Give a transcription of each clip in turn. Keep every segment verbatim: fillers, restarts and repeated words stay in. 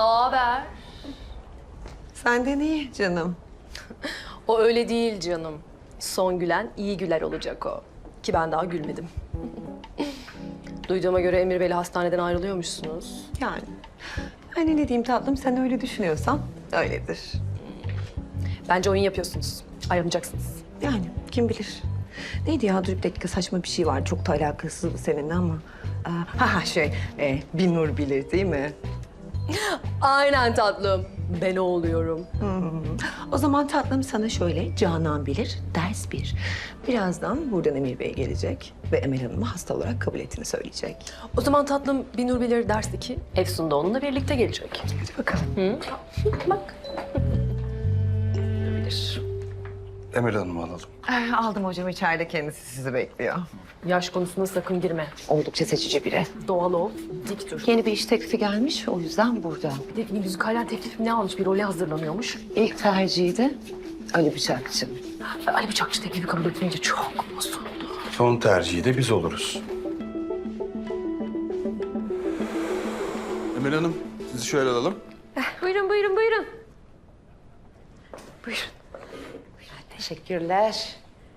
haber? Senden iyi canım. O öyle değil canım. Son gülen iyi güler olacak o. Ki ben daha gülmedim. Duyduğuma göre Emir Bey'le hastaneden ayrılıyormuşsunuz. Yani. Hani ne diyeyim tatlım, sen öyle düşünüyorsan öyledir. Bence oyun yapıyorsunuz. Ayrılacaksınız. Yani kim bilir. Neydi ya, dur bir dakika, saçma bir şey var. Çok da alakasız seninle ama. Aa, ha ha şey, e, Binur bilir değil mi? Aynen tatlım. Ben o oluyorum. Hmm. O zaman tatlım sana şöyle, Canan bilir, ders bir. Birazdan buradan Emir Bey gelecek ve Emel Hanım'ı hasta olarak kabul ettiğini söyleyecek. O zaman tatlım Binur Bilir ders iki. Efsun da onunla birlikte gelecek. Hadi bakalım. Hı? Bak. Bilir. Emel Hanım'ı alalım. Ee, aldım hocam, içeride kendisi sizi bekliyor. Yaş konusunda sakın girme. Oldukça seçici biri. Doğal ol, dik dur. Yeni bir iş teklifi gelmiş, o yüzden burada. Bir de müzikalden teklif ne almış? Bir role hazırlanıyormuş. İlk tercihi de Ali Bıçakçı. Ali Bıçakçı teklifi kabul etmeyince çok bozuldu. Son tercihi de biz oluruz. Emel Hanım, sizi şöyle alalım. Buyurun, buyurun, buyurun. Buyurun. Teşekkürler.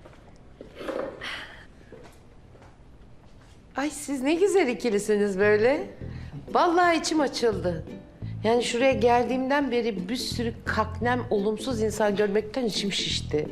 Ay siz ne güzel ikilisiniz böyle. Vallahi içim açıldı. Yani şuraya geldiğimden beri bir sürü kaknem, olumsuz insan görmekten içim şişti.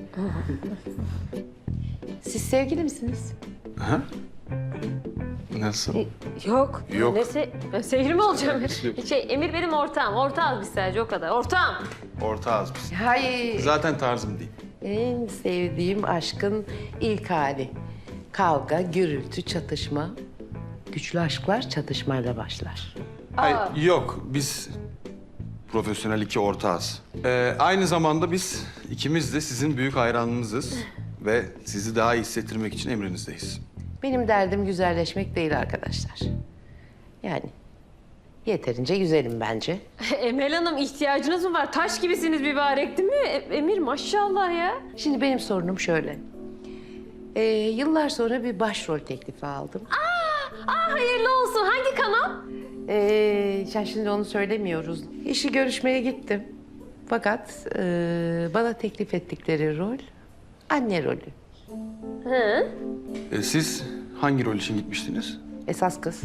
Siz sevgili misiniz? Aha. Nasıl? Yok. Yok. Ne se ben sevgili mi olacağım? Şey, Emir benim ortağım. Ortağız biz sadece o kadar. Ortağım. Ortağız biz. Hayır. Zaten tarzım değil. En sevdiğim aşkın ilk hali. Kavga, gürültü, çatışma. Güçlü aşklar çatışmayla başlar. Hayır, yok. Biz profesyonel iki ortağız. Ee, aynı zamanda biz ikimiz de sizin büyük hayranınızız. Ve sizi daha iyi hissettirmek için emrinizdeyiz. Benim derdim güzelleşmek değil arkadaşlar. Yani yeterince güzelim bence. Emel Hanım ihtiyacınız mı var? Taş gibisiniz mübarek değil mi? E- Emir maşallah ya. Şimdi benim sorunum şöyle. Ee, yıllar sonra bir başrol teklifi aldım. Aa hayırlı olsun. Hangi kanal? Ee, yani şimdi onu söylemiyoruz. İşi görüşmeye gittim. Fakat e, bana teklif ettikleri rol anne rolü. Hı? Ee, siz hangi rol için gitmiştiniz? Esas kız.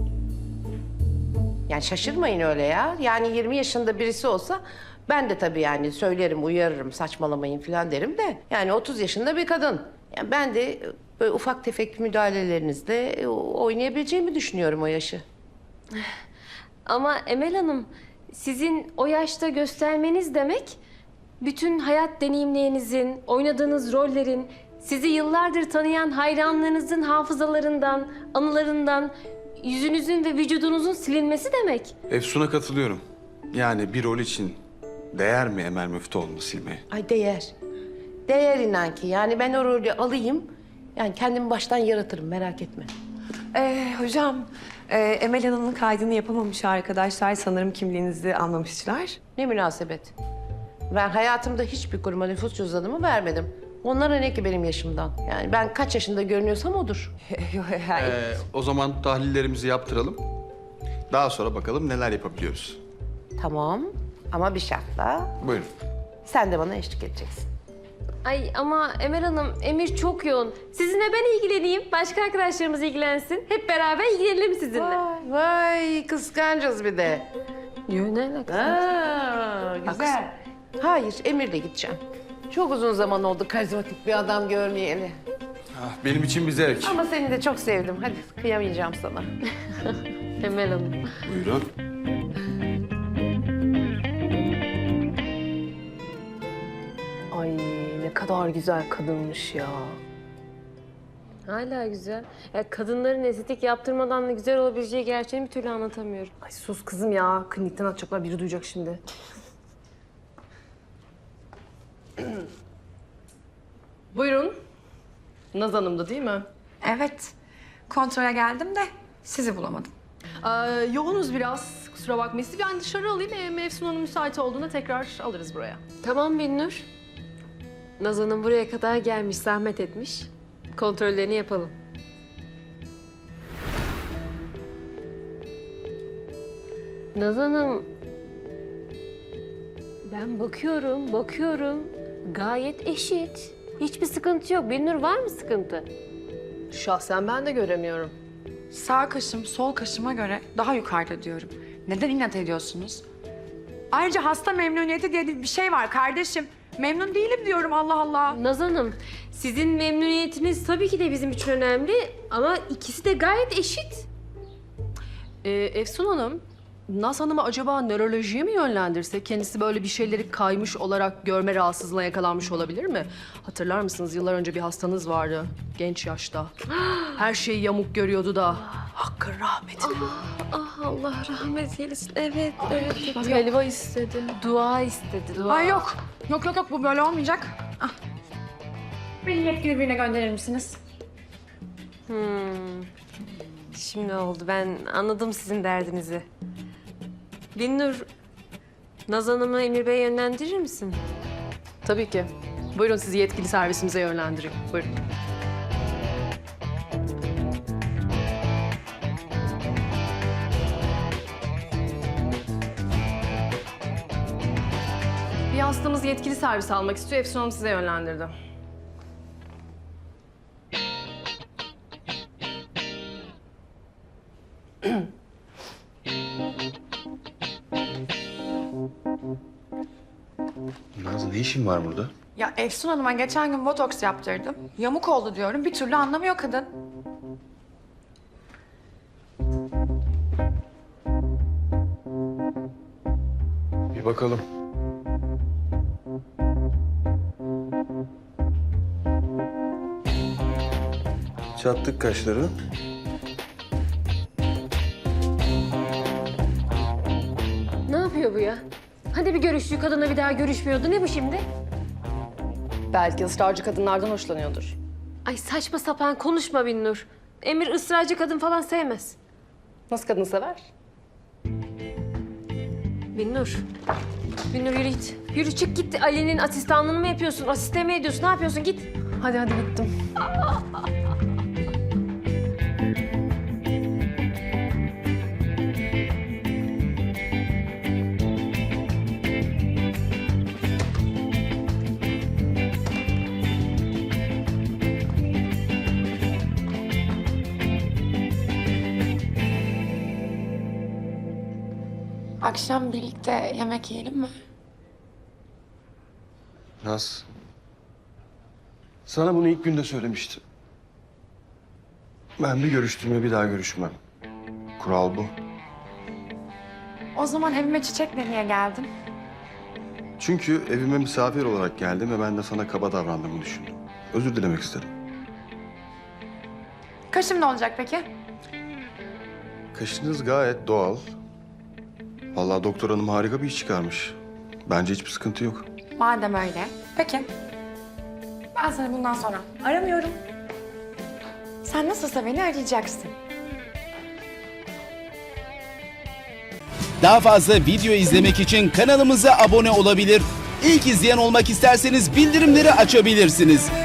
Yani şaşırmayın öyle ya. Yani yirmi yaşında birisi olsa ben de tabii yani söylerim, uyarırım, saçmalamayın falan derim de. Yani otuz yaşında bir kadın. Yani ben de böyle ufak tefek müdahalelerinizle oynayabileceğimi düşünüyorum o yaşı. Ama Emel Hanım sizin o yaşta göstermeniz demek bütün hayat deneyimlerinizin, oynadığınız rollerin, sizi yıllardır tanıyan hayranlarınızın hafızalarından, anılarından, yüzünüzün ve vücudunuzun silinmesi demek. Efsun'a katılıyorum. Yani bir rol için değer mi Emel Müftüoğlu'nu silmeye? Ay değer. Değer inan ki. Yani ben o rolü alayım. Yani kendimi baştan yaratırım merak etme. Ee, hocam, e, Emel Hanım'ın kaydını yapamamış arkadaşlar. Sanırım kimliğinizi almamışlar. Ne münasebet. Ben hayatımda hiçbir kuruma nüfus cüzdanımı vermedim. Onlara ne ki benim yaşımdan? Yani ben kaç yaşında görünüyorsam odur. Yok, hayır. Ee, o zaman tahlillerimizi yaptıralım. Daha sonra bakalım neler yapabiliyoruz. Tamam ama bir şartla Buyurun. sen de bana eşlik edeceksin. Ay ama Emel Hanım, Emir çok yoğun. Sizinle ben ilgileneyim, başka arkadaşlarımız ilgilensin. Hep beraber ilgilenelim sizinle. Vay, vay kıskancız bir de. Yo, ne alakası? Aa, güzel. Hayır Emir'le gideceğim. Çok uzun zaman oldu karizmatik bir adam görmeyeli. Ah, benim için bir zevk. Ama seni de çok sevdim. Hadi kıyamayacağım sana. Emel Hanım. Buyurun. Ay ne kadar güzel kadınmış ya. Hala güzel. Ya kadınların estetik yaptırmadan da güzel olabileceği gerçeğini bir türlü anlatamıyorum. Ay sus kızım ya. Klinikten atacaklar, biri duyacak şimdi. Buyurun. Naz Hanım'dı değil mi? Evet. Kontrole geldim de sizi bulamadım. Ee, yoğunuz biraz. Kusura bakmayın. Sizi ben dışarı alayım. Ee, Mevsun Hanım müsait olduğunda tekrar alırız buraya. Tamam Binnur. Nazan'ın buraya kadar gelmiş, zahmet etmiş. Kontrollerini yapalım. Nazan'ım, Ben bakıyorum, bakıyorum. Gayet eşit. Hiçbir sıkıntı yok. Binnur, var mı sıkıntı? Şahsen ben de göremiyorum. Sağ kaşım sol kaşıma göre daha yukarıda diyorum. Neden inat ediyorsunuz? Ayrıca hasta memnuniyeti diye bir şey var kardeşim. Memnun değilim diyorum, Allah Allah. Naz Hanım, sizin memnuniyetiniz tabii ki de bizim için önemli ama ikisi de gayet eşit. Ee, Efsun Hanım, Naz Hanım'ı acaba nörolojiye mi yönlendirse? Kendisi böyle bir şeyleri kaymış olarak görme rahatsızlığına yakalanmış olabilir mi? Hatırlar mısınız? Yıllar önce bir hastanız vardı. Genç yaşta. Her şeyi yamuk görüyordu da. Hakkın rahmetine. Ah, Allah rahmet eylesin. Evet, evet. Bak, helva istedi. Dua istedi, dua. Ay yok. Yok yok yok, bu böyle olmayacak. Ah. Beni yetkili birine gönderir misiniz? Hmm. Şimdi oldu. Ben anladım sizin derdinizi. Binnur, Naz Hanım'ı Emir Bey'e yönlendirir misin? Tabii ki. Buyurun, sizi yetkili servisimize yönlendireyim. Buyurun. Bir hastamız yetkili servis almak istiyor. Efsun Hanım size yönlendirdi. Naz, ne işin var burada? Ya Efsun Hanım'a geçen gün botoks yaptırdım. Yamuk oldu diyorum. Bir türlü anlamıyor kadın. Bir bakalım. Çattık kaşları. Ne yapıyor bu ya? Hadi bir görüştüğü kadınla bir daha görüşmüyordu. Ne bu şimdi? Belki ısrarcı kadınlardan hoşlanıyordur. Ay saçma sapan konuşma Binnur. Emir ısrarcı kadın falan sevmez. Nasıl kadın sever? Binnur. Binnur yürü git. Yürü çık git. Ali'nin asistanlığını mı yapıyorsun? Asiste mi ediyorsun? Ne yapıyorsun? Git. Hadi hadi gittim. Akşam birlikte yemek yiyelim mi? Naz, sana bunu ilk günde söylemiştim. Ben bir görüştüğüme bir daha görüşmem. Kural bu. O zaman evime çiçekle niye geldin? Çünkü evime misafir olarak geldim ve ben de sana kaba davrandığımı düşündüm. Özür dilemek istedim. Kaşım ne olacak peki? Kaşınız gayet doğal. Vallahi doktor hanım harika bir iş çıkarmış. Bence hiçbir sıkıntı yok. Madem öyle. Peki. Ben seni bundan sonra aramıyorum. Sen nasılsa beni arayacaksın. Daha fazla video izlemek için kanalımıza abone olabilir. İlk izleyen olmak isterseniz bildirimleri açabilirsiniz.